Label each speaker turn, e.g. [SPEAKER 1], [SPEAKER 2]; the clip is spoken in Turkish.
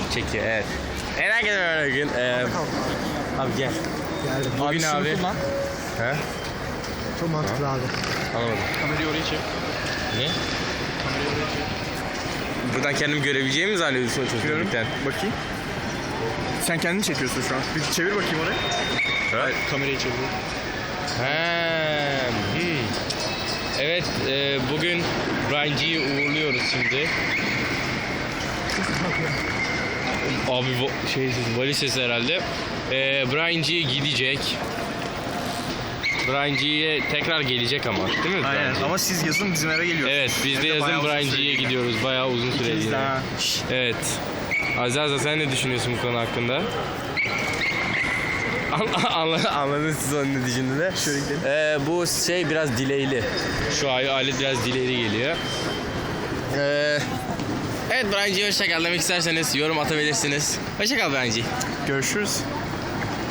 [SPEAKER 1] çekiyor evet. Herkese merhaba bugün. Abi gel.
[SPEAKER 2] Geldim.
[SPEAKER 1] Bugün abi. He?
[SPEAKER 2] Çok mantıklı abi.
[SPEAKER 1] Anlamadım.
[SPEAKER 3] Kamerayı oraya çek.
[SPEAKER 1] Ne?
[SPEAKER 3] Kamerayı oraya çek.
[SPEAKER 1] Buradan kendim görebileceğimi mi zannediyorsun çocuklarken?
[SPEAKER 3] Bakayım. Sen kendini çekiyorsun şu an. Bir çevir bakayım oraya.
[SPEAKER 1] Evet.
[SPEAKER 3] Kamerayı çevir.
[SPEAKER 1] Evet, bugün Brian G'yi uğurluyoruz şimdi. Abi valiz sesi herhalde. Brian G gidecek. Brian G'ye tekrar gelecek ama değil mi?
[SPEAKER 3] Aynen ama siz yazın bizim eve geliyorsunuz.
[SPEAKER 1] Evet, biz de yazın Brian G'ye gidiyoruz. Bayağı uzun süreli. Evet. Aziz sen ne düşünüyorsun bu konu hakkında? Anladınız siz onun ne düşündüğünü.
[SPEAKER 3] Şöyle gidelim.
[SPEAKER 1] Bu şey biraz delay'li. Şu alet biraz delay'li geliyor. Evet Brian G, hoşça kal demek isterseniz yorum atabilirsiniz. Hoşça kal Brian G.
[SPEAKER 3] Görüşürüz.